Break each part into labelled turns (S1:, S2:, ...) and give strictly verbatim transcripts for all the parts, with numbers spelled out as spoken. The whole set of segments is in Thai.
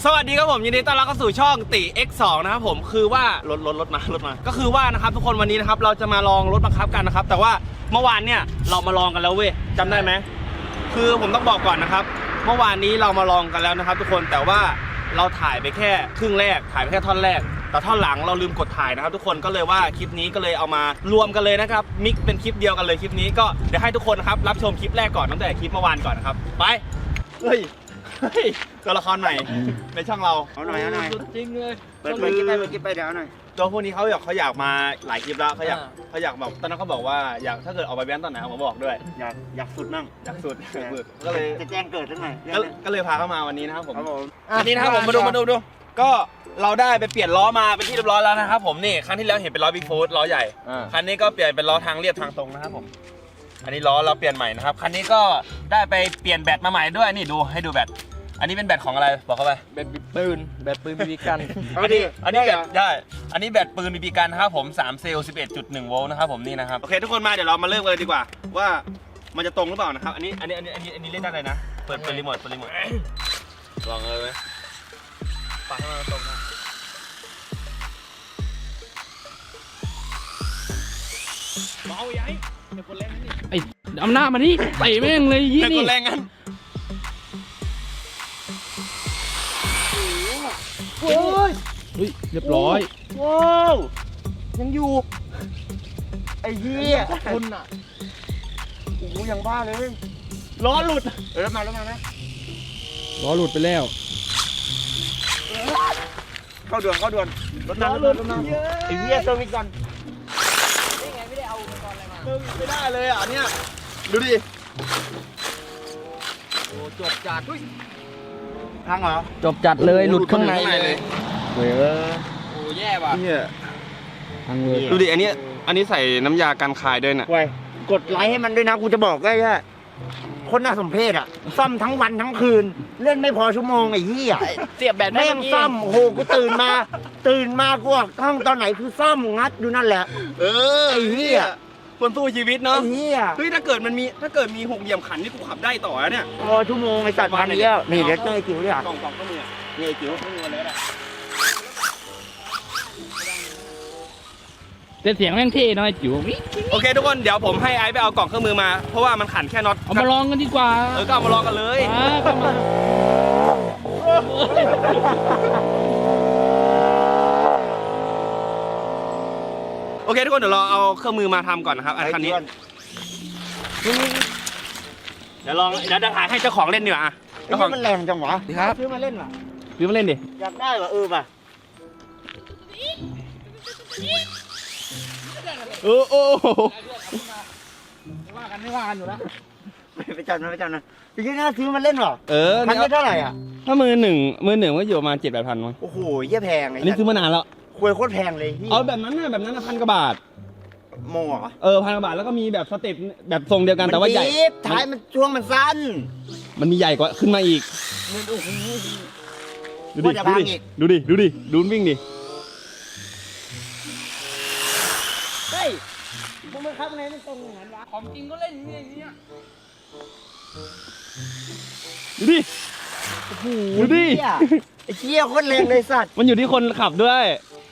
S1: สวัสดีครับผมยินดีต้อนรับเข้าสู่ช่องติ เอ็กซ์ สอง นะครับผมคือว่ารถรถรถมารถมาก็คือว่านะครับทุกคนวันนี้นะครับเราจะมาลองรถบังคับกันนะครับแต่ว่าเมื่อวานเนี่ยเรามาลองกันแล้วเว้ยจำได้ไหมคือผมต้องบอกก่อนนะครับเมื่อวานนี้เรามาลองกันแล้วนะครับทุกคนแต่ว่าเราถ่ายไปแค่ครึ่งแรกถ่ายไปแค่ท่อนแรกแต่ท่อนหลังเราลืมกดถ่ายนะครับทุกคนก็เลยว่าคลิปนี้ก็เลยเอามารวมกันเลยนะครับมิกเป็นคลิปเดียวกันเลยคลิปนี้ก็เดี๋ยวให้ทุกคนนะครับรับชมคลิปแรกก่อนตั้งแต่คลิปเมื่อวานก่อนนะครับไปเฮ้ยเฮ้ยตัวละครใหม่ในช่องเราเอาหน่อยเอาหน่อย
S2: จริงเลย
S1: เปิดเปิดคลิปไปเปิดคลิปไปเดี๋ยวหน่อยตัวพวกนี้เขาอยากเขาอยากมาหลายคลิปแล้วเขาอยากเขาอยากแบบตอนนั้นเขาบอกว่าอยากถ้าเกิดออกไปแว้นตอนไหนเขาบอกด้วย
S3: อยากอยากสุดนั่ง
S1: อยากสุดก็เลย
S3: จะแจ้งเกิดทั้งไง
S1: ก็เลยพาเข้ามาวันนี้นะครับผม
S3: ครับผม
S1: อันนี้นะครับผมมาดูมาดูดูก็เราได้ไปเปลี่ยนล้อมาเป็นที่เรียบร้อยแล้วนะครับผมนี่ครั้งที่แล้วเห็นเป็นล้อบิ๊กฟูดล้อใหญ่คันนี้ก็เปลี่ยนเป็นล้อทางเรียบทางตรงนะครับผมอันนี้ล้อเราเปลี่ยนใหม่นะครับคันนี้ก็ได้ไปเปลี่ยนแบตมาใหม่ด้วยนี่ดูให้ดูแบตอันนี้เป็นแบตของอะไรบอกเข้าไป
S2: แบตปืนแบตปืนบีบีกัน
S1: อันนี้อันนี้แบตได้อันนี้แบตปืนบีบีกันนะครับผมสามเซลล์ สิบเอ็ดจุดหนึ่ง โวลต์นะครับผมนี่นะครับโอเคทุกคนมาเดี๋ยวเรามาเริ่มกันเลยดีกว่าว่ามันจะตรงหรือเปล่านะครับอันนี้อันนี้อันนี้อันนี้อันนี้เล่นได้เลยนะเปิดเปิดรีโมทเปิดรีโมทลองเลยไหมปัดให้มันตรงนะเบาใหญ่เดี๋ยวกดแรงนี่
S2: ไอ้อำนาจมานี่เตะแม่งเลยยี่นี่
S1: กดแรงงั้น
S2: โอ้ยเฮ้ยเรียบร้อย
S3: ว้าวยังอยู่ไอ้เหี้ยคุณอ่ะโอ้โหยังบ้าเลย
S1: ล้อหลุด
S3: เออมาแล้วมานะ
S2: ล้อหลุดไปแล้ว
S3: เข้าด่วนเข้าด่วนรถน้ำรถน้ำไอ้เหี้ยเติมอีกก่อน
S1: นี่ไงไม่ได้เอาอุปกรณ์อะไรมาเติมไม่ได้เลยอ่ะเนี่ยดูดิ
S2: โอ้จบจัด
S3: พังเหรอ
S2: จบจัดเลยหลุดข้างใน
S1: เลย
S3: เฮ้ย
S2: โอ้แย่ว่ะ
S1: เนี่ย
S2: พังเลย
S1: ดูดิอันนี้อันนี้ใส่น้ำยากันคายด้วยน่ะ
S3: ไว้กดไลค์ให้มันด้วยนะกูจะบอกได้แค่คนน่าสมเพชอ่ะซ่อมทั้งวันทั้งคืนเล่นไม่พอชั่วโมงไอ้เหี้ย
S2: เสียบแบต
S3: แม่งซ่อมโอ้โหกูตื่นมาตื่นมากูออกห้องตอนไหนคือซ่อมงัดอยู่นั่นแหละ
S1: เออ
S3: ไอ้เหี้ย
S1: คนสู้ชีวิตเนาะ
S3: ไอ้เหี้ย
S1: เฮ้ยถ้าเกิดมันมีถ้าเกิดมีหกเหลี่ยมขันนี่กูขับได้ต่อเนี่ย
S3: พอชั่วโมงไอ้สัตว์พันเดียวนี่เดี๋ยวเจอไอ้จิ๋วด้วยอ่ะ
S1: กล่องกล่องก็มี
S3: นี่ไอ้จิ๋ว
S1: ไม่มีอะไรอ่ะ
S2: แต่เสียงแม่งเท่น้อยจิ๋ว
S1: โอเคทุกคนเดี๋ยวผมให้ไอซ์ไปเอากล่องเครื่องมือมาเพราะว่ามันขันแค่น็อต
S2: เอามาลองกันดีกว่า
S1: เออก็เอามาลองกันเลยโอเคทุกคนเดี๋ยวเราเอาเครื่องมือมาทำก่อนนะครับอันคันนี้เดี๋ยวลองเดี๋ยวจะถ่ายให้เจ้าของเล่นดีกว่า
S3: เจ้าของมันแรงจังวะ
S2: ดีครับ
S3: ซื้อมาเล่นว่ะ
S1: ซื้อมาเล่นดิ
S3: อยากได้ว่ะเออป่ะ
S1: โอ้โอ้
S2: ว่ากันไม่ว่ากันอยู่แล้ว
S3: ไปจัดนะไปจัดนะจริงๆน่าซื้อมาเล่นหรอ
S1: เออ
S3: มันไม่เท่าไหร่อ่ะ
S1: ถ้ามือหนึ่งมือหนึ่งก็อยู่ประมาณเจ็ดแปดพันมั้ง
S3: โอ้โหเยี่ยแพง
S1: อันนี้ซื้อมานานแล้ว
S3: คุยโคตรแพงเลย
S1: เอาแบบนั้นนะแบบนั้นนะพันกว่าบาท
S3: โม่เหรอ
S1: เออพันกว่าบาทแล้วก็มีแบบสเต็ปแบบทรงเดียวกันแต่ว่าใหญ่
S3: ท้ายมันช่วงมันสั้น
S1: มันมีใหญ่กว่าขึ้นมาอีกดูดิดูดิดูดิดูดิดูวิ่งดิ
S3: เฮ้ยมึงมาครับไงไม่ตรงอย่างนั้นวะ
S2: ของจริงก็เล่นอย่างเงี้ย
S1: ดูดิดูดิ
S3: ไอ้เชี่ยโคตรแรงเลยสัตว์
S1: มันอยู่ที่คนขับด้วย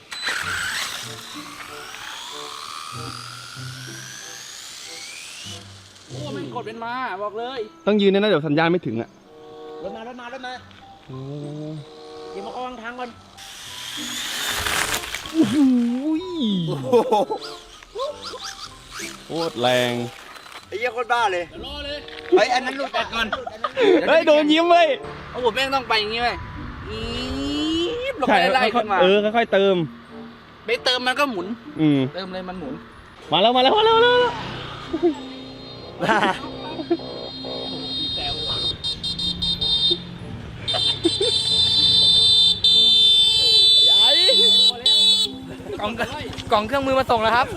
S2: โอ้มันกดเป็นมาบอกเลย
S1: ต้องยืนนะเดี๋ยวสัญญาณไม่ถึงอ่ะ
S3: รถมารถมารถมาเดี๋ยวมาเอาวางทางก่อน
S1: โอ้โหโคตรแรง
S3: ไอ้เหี้ยโคตรบ้าเลย
S2: รอเลย
S3: เฮ้ยอันนั้นหลุดก่อน
S1: เฮ้ยโดนยิ้มเว้ย
S2: โอ้โหแม่งต้องไปอย่างงี้เว้ยอีบลงไปไล่ขึ้นมา
S1: เออค่อยๆเติม
S2: ไปเติมมันก็หมุน
S1: อืม
S2: เติมเลยมันหมุน
S1: มาแล้วมาแล้วมาแล้วมาแล้ว
S2: กล่องกล่องเครื่องมือมาส่งแล้วครับ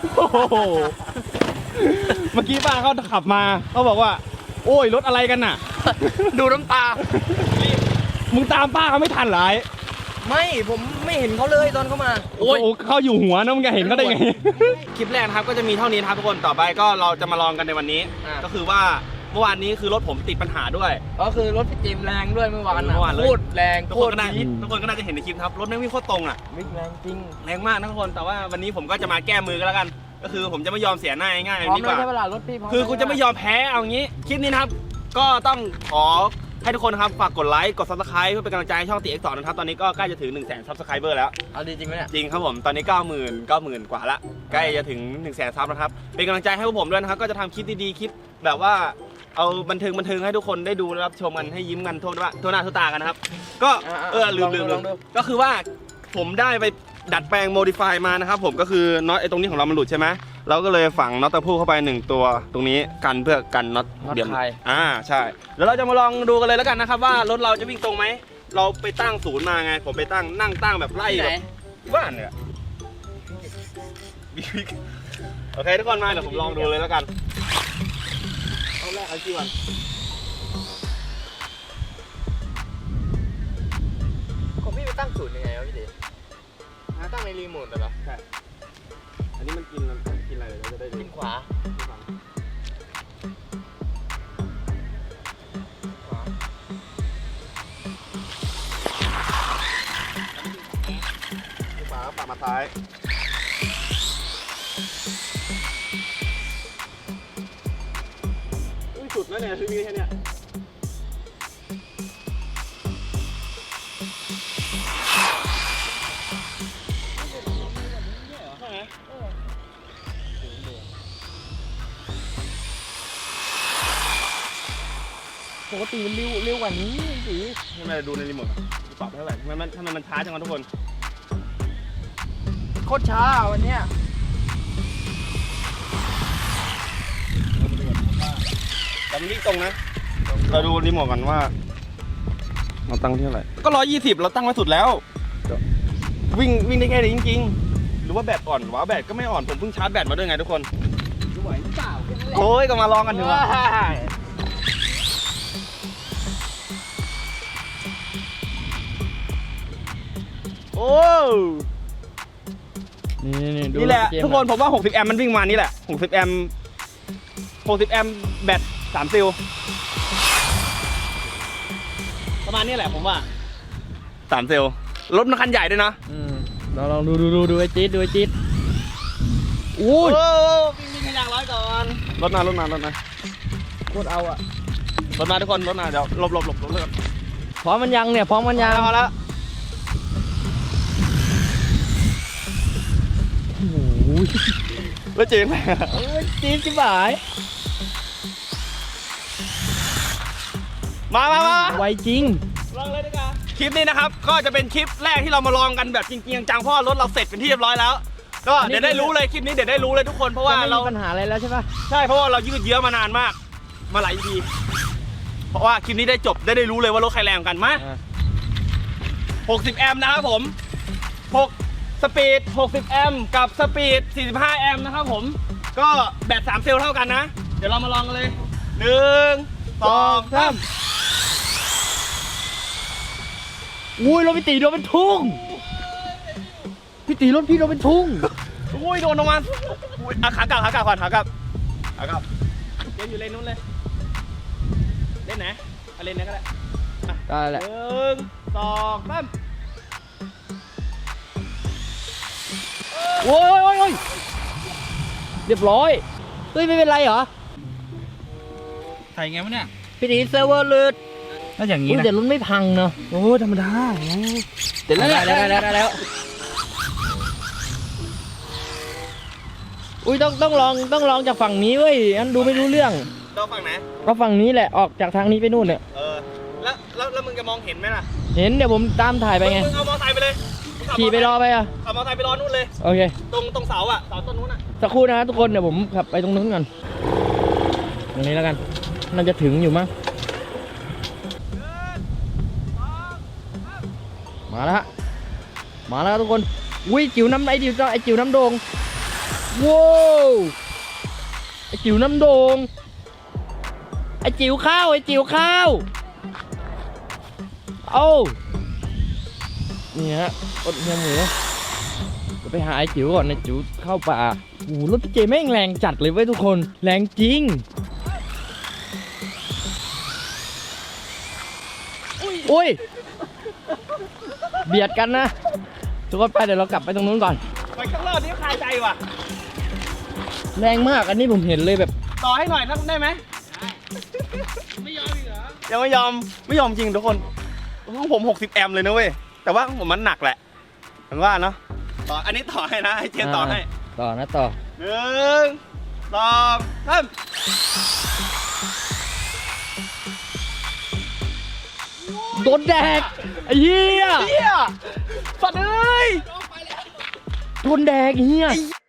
S1: เมื่อกี้ป้าเขาขับมาเขาบอกว่าโอ้ยรถอะไรกันน่ะ
S2: ดูน้ำตา
S1: มึงตามป้าเขาไม่ทันหรอ
S2: ไม่ผมไม่เห็นเขาเลยตอนเขามา
S1: โอ้ยเขาอยู่หัวนะมึงจะเห็นเขาได้ไงคลิปแรกนะครับก็จะมีเท่านี้ครับทุกคนต่อไปก็เราจะมาลองกันในวันนี้ก็คือว่าเมื่อวานนี้คือรถผมติดปัญหาด้วย
S2: ก็คือรถพี่จิมแรงด้วยเมื่อวาน
S1: เมื่อวานเลย
S2: พูดแรง
S1: ทุก
S2: พู
S1: คน
S2: ด
S1: ก็น่า
S2: ดี
S1: ทุกคนก็น่าจะเห็นในคลิปครับรถแม่งวิ่งโคตรตรงอ่ะ
S2: มิกแรงจริง
S1: แรงมากนะทุกคนแต่ว่าวันนี้ผมก็จะมาแก้มือกันแล้วกัน ก็คือผมจะไม่ยอมเสียหน้าง่าย
S2: พร้อม
S1: ๆดีก
S2: แล้ว
S1: ว่า
S2: ใช่เวลารถพี่พร้อม
S1: คือกูจะไม่ยอมแพ้เอางี้คลิปนี้นะครับก็ต้องขอให้ทุกคนนะครับฝากกดไลค์กด ซับสไครบ์ เพื่อเป็นกำลังใจให้ช่องตี เอ็กซ์ สอง นะครับตอนนี้ก็ใกล้จะถึง หนึ่งแสน ซับสไครเบอร์แล้ว
S2: เอาดีจริงไหมเนี่ย
S1: จริงครับผมตอนนี้ เก้าหมื่น เก้าหมื่น กว่าละใกล้จะถึง หนึ่งแสน ซับนะครับเป็นกำลังใจให้พวกผมด้วยนะครับก็จะทำคลิปดีๆคลิปแบบว่าเอาบันเทิงบันเทิงให้ทุกคนได้ดูและรับชมกันให้ยิ้มกันทั่วว่าทั่วหน้าทั่วตากันนะครับก็เออลืมลืมลืมก็คือว่าผมได้ไปดัดแปลงโมดิฟายมานะครับผมก็คือน็อตไอ้ตรงนี้ของเรามันหลุดใช่ไหมเราก็เลยฝังน็อตตะพูเข้าไปหนึ่งตัวตรงนี้กันเพื่อกันน็อตเดี่ยมอ่าใช่แล้วเราจะมาลองดูกันเลยแล้วกันนะครับว่ารถเราจะวิ่งตรงไหมเราไปตั้งศูนย์มาไงผมไปตั้งนั่งตั้งแบบไล่
S2: ที่ไห
S1: แบ
S2: น
S1: บบ้านเนี่ยโอเคทุกคนมาเดี๋ยวผมลองดูเลยแล้วกันเอาแรกเอาที่วัน
S2: ของพี่ไปตั้งศูนย์ยังไงวะพี่ดิตั้งในรีโมทเหรอ
S1: ใช่อันนี้มันกินกินอะไรเราจะได้ดู
S2: ขึ้นขวา
S1: ขวาปากมาซ้ายอุ้ยสุดแล้วเนี่ยคือมีแค่เนี้ย
S2: ปกติมันเร็วเร็วกว่านี้สิ
S1: ทำไมดูในรีโมทปรับเท่าไหร่ทำไมมันทำไมมันช้าจังวะทุกคน
S2: โคตรช้าวันเนี้ย
S1: แต่มันวิ่งตรงนะ เราดูรีโมทกันว่าเราตั้งที่เท่าไหร่ก็ร้อยยี่สิบเราตั้งไว้สุดแล้ว วิ่งวิ่งได้แค่นี้จริงๆหรือว่าแบตอ่อนวะแบตก็ไม่อ่อนผมเพิ่งชาร์จแบตมาด้วยไงทุกคน
S2: ไหวหรือเปล่า
S1: โอ้ยก็มาลองกันเถอะ โอ้
S2: นี่นี่
S1: นี่แหละทุกคนผมว่าหกสิบแอมป์มันวิ่งมานี่แหละหกสิบแอมป์หกสิบแอมป์แบตสามซิลประมาณนี้แหละผมว่าสามซิลรถมันคันใหญ่ด้วยนะ
S2: อืมเราลองดูดูดูดูไอ้จี๊ดดูไอ้จี๊ดอู้ย
S1: โอ้วิ่งวิ่งขยักร้อยก่อนรถมารถมารถมา
S2: โคตรเอาอะ
S1: รถมาทุกคนรถมาเดี๋ยวหลบหลบหลบหลบเลย
S2: พร้อมมันยังเนี่ยพร้อมมันยัง
S1: พอแล้ว
S2: โอ้ย
S1: รถจีน
S2: เอ้ยจี๊ดจิ๋วหาย
S1: มามามา
S2: ไวจริง
S1: ลองเลยดีกว่าคลิปนี้นะครับก็จะเป็นคลิปแรกที่เรามาลองกันแบบจริงๆจังเพราะรถเราเสร็จเป็นที่เรียบร้อยแล้วก็เดี๋ยวได้รู้เลยคลิปนี้เดี๋ยวได้รู้เลยทุกคนเพราะว่า
S2: ไม่
S1: เรา
S2: มีปัญหาอะไรแล้วใช่ปะ
S1: ใช่เพราะว่าเรายืดเยื้อมานานมากมาหลายทีเพราะว่าคลิปนี้ได้จบได้ได้รู้เลยว่ารถใครแรงกันมาหกสิบแอมป์นะครับผมหกสปีดหกสิบแอมป์กับสปีดสี่สิบห้าแอมป์นะครับผมก็แบตสามเซลล์เท่ากันนะเดี๋ยวเรามาลองกันเลยหนึ่งสองสาม
S2: อุ้ยรถพี่ตีโดนเป็นทุ่งพี่ตีรถพี่โดนเป็นทุ่ง
S1: อุ้ยโดนลงมาอุ้ยอ่ะขากลับขากลับก่อนขากลับขากลับเล่นอยู่เลนนู้นเลยเล่นไหนเอาเลนไหนก็ได้อ่ะ
S2: ได้แหละ
S1: หนึ่งสองสาม
S2: โอ้ยโอ้ยโอ้ยเรียบร้อยเฮ้ยไม่เป็นไรเหรอ
S1: ถ่ายไงวะเนี่ย
S2: พี่ตีเซิร์ฟเวอร์หลุด
S1: น่าอย่างนี้
S2: อุ้ย
S1: นะ
S2: แต่รถไม่พังเนาะ
S1: โอ้ธรรมดา
S2: เดี๋ยวได้แล้วได้แล้วได้แล้วอุ้ยต้องต้องลองต้องลองจากฝั่งนี้เว้ยอันดูไม่รู้เรื่อง
S1: เราฝั่งไหน
S2: ก็ฝั่งนี้แหละออกจากทางนี้ไปนู่นเนี่ย
S1: เออแล้วแล้วแล้วมึงจะมองเห็นไหมล่ะ
S2: เห็นเดี๋ยวผมตามถ่ายไปไง
S1: มึงเอามอเตอร์ไซค์ไปเลยมึงขับ
S2: ขี่ไปรอไปอ่ะ
S1: เอามอเตอร์ไซค์ไปรอนู่นเลย
S2: โอเค
S1: ตรงตรงเสาอ่ะเสาต้นนู้นอ่ะ
S2: สักครู่นะทุกคนเดี๋ยวผมขับไปตรงนู้นก่อนตรงนี้แล้วกันน่าจะถึงอยู่มั้งมาแล้วฮะมาแล้วทุกคนอุ้ยจิ๋วน้ำไอจิ๋วไอจิ๋วน้ำโด่งว้าวไอจิ๋วน้ำโด่งไอจิ๋วข้าวไอจิ๋วข้าวเอ้านี่ฮะอดเนื้อหมูเดี๋ยวไปหาไอจิ๋วก่อนไอจิ๋วเข้าป่าโอ้โหรถพี่เจแม่งแรงจัดเลยเว้ยทุกคนแรงจริงอุ้ยเบียดกันนะทุกคนไปเดี๋ยวเรากลับไปตรงนู้นก่อน
S1: ไปข้างนอกนี่คาใจว่ะ
S2: แรงมากอันนี้ผมเห็นเลยแบบ
S1: ต่อให้หน่อยทักได้ไหมไม่ยอมอีกเหรอยังไม่ยอมไม่ยอมจริงทุกคนของผมหกสิบแอมป์เลยนะเว้ยแต่ว่าของผมมันหนักแหละผมว่าเนาะต่ออันนี้ต่อให้นะให้เจนต่อให้
S2: ต่อนะต่อ
S1: หนึ่งสองสาม
S2: โดนแดกไอ้เหี้ย
S1: เฮียสัตว์เอ้ย
S2: โดนแดกไอ้เหี้ย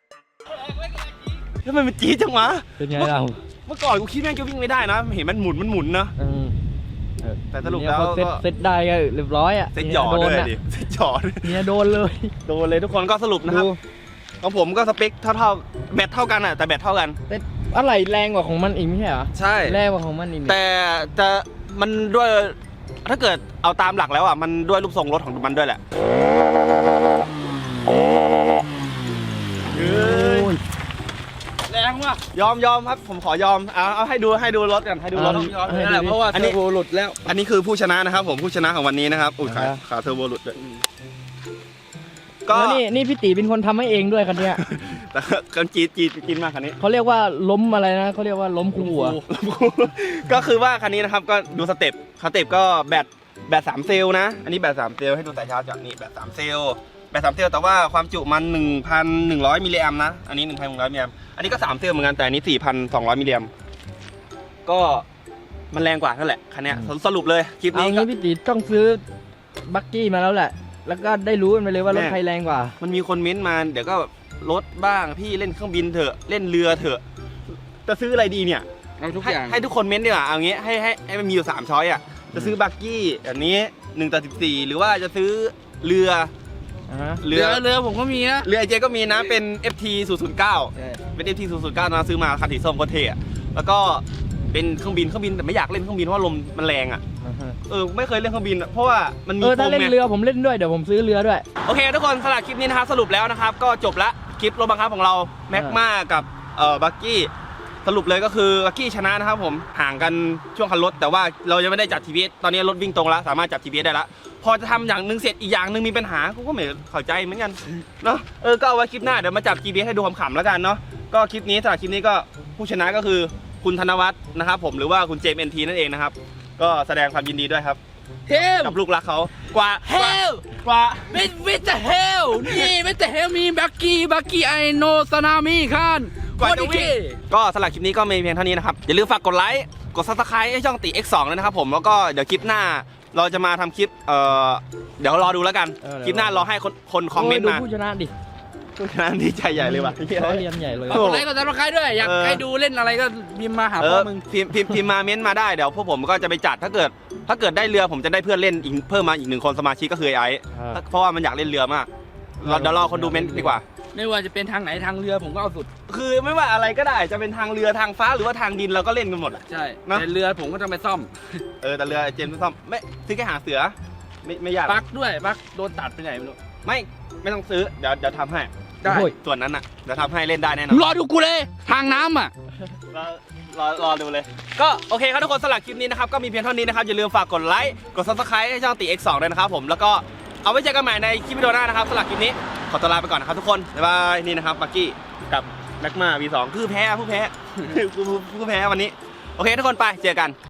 S1: ทำไมมันจี๊ดจังวะ
S2: เป็นไงเรา
S1: เมื่อก่อนกูคิดแม่งจะวิ่งไม่ได้นะเห็นมันหมุนมันหมุนนะ
S2: อืมเออ
S1: แต่สรุปแล้ว
S2: เนี่ยพอเซ็ต
S1: ก็
S2: เซ็ตได้ก็เรียบร้อยอ่ะ
S1: เซ็ตหยอ
S2: โด
S1: ด้
S2: น
S1: วย
S2: อ่ะ
S1: ดิเซ็ตหยอด
S2: เนี่ยโดนเลย
S1: โดนเลยทุกคนก็สรุปนะครับ
S2: ดู
S1: ของผมก็สเปคเท่าๆแบตเท่ากันอ่ะแต่แบตเท่ากัน
S2: แต่อะไรแรงกว่าของมันอีกไม่ใช่เหรอ
S1: ใช่
S2: แรงกว่าของมันอีกนี่
S1: แต่จะมันด้วยถ้าเกิดเอาตามหลักแล้วอ่ะมันด้วยรูปทรงรถของมันด้วยแหละเฮ้ยแรงว่ะยอมยอมครับผมขอยอมเอาเอาให้ดูให้ดูรถกันให้ดูรถ
S2: ยอมนั่นแหละเพราะว่า
S1: อัน
S2: เทอ
S1: นี้
S2: ร์โบหลุดแล้ว
S1: อันนี้คือผู้ชนะนะครับผมผู้ชนะของวันนี้นะครับอุ้ยขา
S2: อ่าฮะ
S1: ขาเทอร์โบหลุดด้วยก็
S2: แล้วนี่นี่พี่ตีเป็นคนทำให้เองด้วยคันเนี้ย
S1: แต่กันจีดจีดกินมากคันนี้
S2: เขาเรียกว่าล้มอะไรนะเขาเรียกว่าล้มคู่หัว
S1: ก็คือว่าคันนี้นะครับก็ดูสเต็ปสเต็ปก็แบตแบตสามเซลล์นะอันนี้แบตสามเซลล์ให้ดูแต่เช้าจากนี่แบตสามเซลล์แบตสามเซลล์แต่ว่าความจุมัน หนึ่งพันหนึ่งร้อย มิลลิแอมป์นะอันนี้ หนึ่งพันหนึ่งร้อย มิลลิแอมป์อันนี้ก็สามเซลล์เหมือนกันแต่อันนี้ สี่พันสองร้อย มิลลิแอมป์ก็มันแรงกว่านั่นแหละคันเนี้ยสรุปเลยคลิป
S2: เอา
S1: นี้ก็
S2: งี้พี่ตีต้องซื้อบักกี้มาแล้วแหละ แล้วก็ได้รู้กันไปเลยว่ารถใครแรงกว่า
S1: มันมีคนเม้นต์มาเดี๋ยวก็รถบ้างพี่เล่นเครื่องบินเถอะเล่นเรือเถอะจะซื้ออะไรดีเนี่ย
S2: เอาทุก
S1: ให้
S2: อย่าง
S1: ให้ทุกคนเม้นต์ดีกว่าเอางี้ให้ให้ให้มันมีอยู่สามช้อยอ่ะจะซื้อบักกี้แบบนี้หนึ่งต่อสิบสี่หรือว่าจะซื้อเรือ
S2: อ่าฮะ
S1: เรือ
S2: เรือผมก็มีนะ
S1: เรือไอเจก็มีนะเป็น เอฟ ที ศูนย์ ศูนย์ เก้า เป็น เอฟ ที ศูนย์ ศูนย์ เก้านะซื้อมาคันสีส้มก็เท่อะแล้วก็เป็นเครื่องบินเครื่องบินแต่ไม่อยากเล่นเครื่องบินเพราะว่าลมมันแรงอ่ะเออไม่เคยเล่นเครื่องบินอะเพราะว่ามันมี
S2: เออถ้า
S1: โฟม
S2: เล่น
S1: ไง
S2: เรือผมเล่นด้วยเดี๋ยวผมซื้อเรือด้วย
S1: โอเคทุกคนสำหรับคลิปนี้นะครับสรุปแล้วนะครับก็จบละคลิปรถบังคับของเราแม็กมากับเอ่อบักกี้สรุปเลยก็คือบักกี้ชนะนะครับผมห่างกันช่วงคันรถแต่ว่าเรายังไม่ได้จับ ที พี เอส ตอนนี้รถวิ่งตรงแล้วสามารถจับ ที พี เอส ได้แล้วพอจะทำอย่างหนึ่งเสร็จอีกอย่างหนึ่งมีปัญหากูก็ไม่เข้าใจเหมือนกันเนาะเออก็เอาไว้คลิปหน้าเดี๋ยวมาจับ จี พี เอส ให้ดูขำๆแล้วกันเนาะก็คลิปนี้สำหรับคลิปนี้ก็ผู้ชนะก็คือคุณธนวัฒน์นะครับผมหรือว่าคุณเจมส์ เอ็น ที นั่นเองนะครับก็แสดงความยินดีด้วยครับ
S4: เฮล
S1: กับลูกรักเขากว่า
S4: เฮล
S1: กว่า
S4: เวทเวทเฮลนี่เวทเฮลมีบักกี้บักกี้ไอโนสนามิคัน
S1: กว่าจะวิ่งก็สำหรับคลิปนี้ก็มีเพียงเท่านี้นะครับอย่าลืมฝากกดไลค์กด ซับสไครบ์ ให้ช่องตี เอ็กซ์ สอง ด้วยนะครับผมแล้วก็เดี๋ยวคลิปหน้าเราจะมาทำคลิปเอ่อเดี๋ยวรอดูแล้วกัน
S2: เออ
S1: คลิปหน้ารอให้คนคนคอมเมนต์
S2: โย
S1: มา
S2: ดูผู้ชนะดิ
S1: ผู้ชนะดีใจใหญ่เลยว่ะ
S2: เขาเรียนใหญ่เลย
S1: โอ้
S4: กดไลค์กดซับสไครต์ด้วย อยาก
S1: เออ
S4: ให้ดูเล่นอะไรก็พิมพ์มาหา
S1: เอ
S4: พ่อ
S1: อ
S4: มึง
S1: พิมพ์พิมพ์พิมพ์มาเม้นต์มาได้เดี๋ยวพวกผมก็จะไปจัดถ้าเกิด ถ้าเกิดได้เรือผมจะได้เพื่อนเล่นอีกเพิ่มมาอีกหนึ่งคนสมาชิกก็คือไอ้ไอซ์เพราะว่ามันอยากเล่นเรือมากเราเดี๋ยวรอคนดูเม้นต์ดีกว่า
S4: ไม่ว่าจะเป็นทางไหนทางเรือผมก็เอาสุด
S1: คือไม่ว่าอะไรก็ได้จะเป็นทางเรือทางฟ้าหรือว่าทางดินเราก็เล่นกันหมดอะ
S4: ใช่
S1: เนอะ
S4: แต่เรือผมก็ต้องไปซ่อม
S1: เออแต่เรือเจมส์ไม่ซ่อมไม่ซื้อแค่หางเสือไม่ไม่ยาก
S4: ปลั๊กด้วยปลั๊กโดนตัดไปไหนไม่รู้
S1: ไม่ไม่ต้องซื้อเดี๋ยวเดี๋ยวทำให้
S4: ได้
S2: โอ้ย
S1: ส่วนนั้นอ่ะเดี๋ยวทำให้เล่นได้แน่นอน
S4: รอดูกูเลย ทางน้ำอ่ะ
S1: รอรอรอดูเลย ก็โอเคครับทุกคนสำหรับคลิปนี้นะครับก็มีเพียงเท่านี้นะครับอย่าลืมฝากกดไลค์กด ซับสไครบ์ ให้ช่องตี เอ็กซ์ สอง ด้วยนะครับผมแล้วก็เอาไว้เจอกันใหม่ในคลิปวิดีโอหน้านะครับสำหรับคลิปนี้ขอตัวลาไปก่อนนะครับทุกคนบ๊ายบายนี่นะครับบักกี้กับแม็กมา วี สอง คือแพ้ผู้แพ้ ผู้แพ้วันนี้โอเคทุกคนไปเจอกัน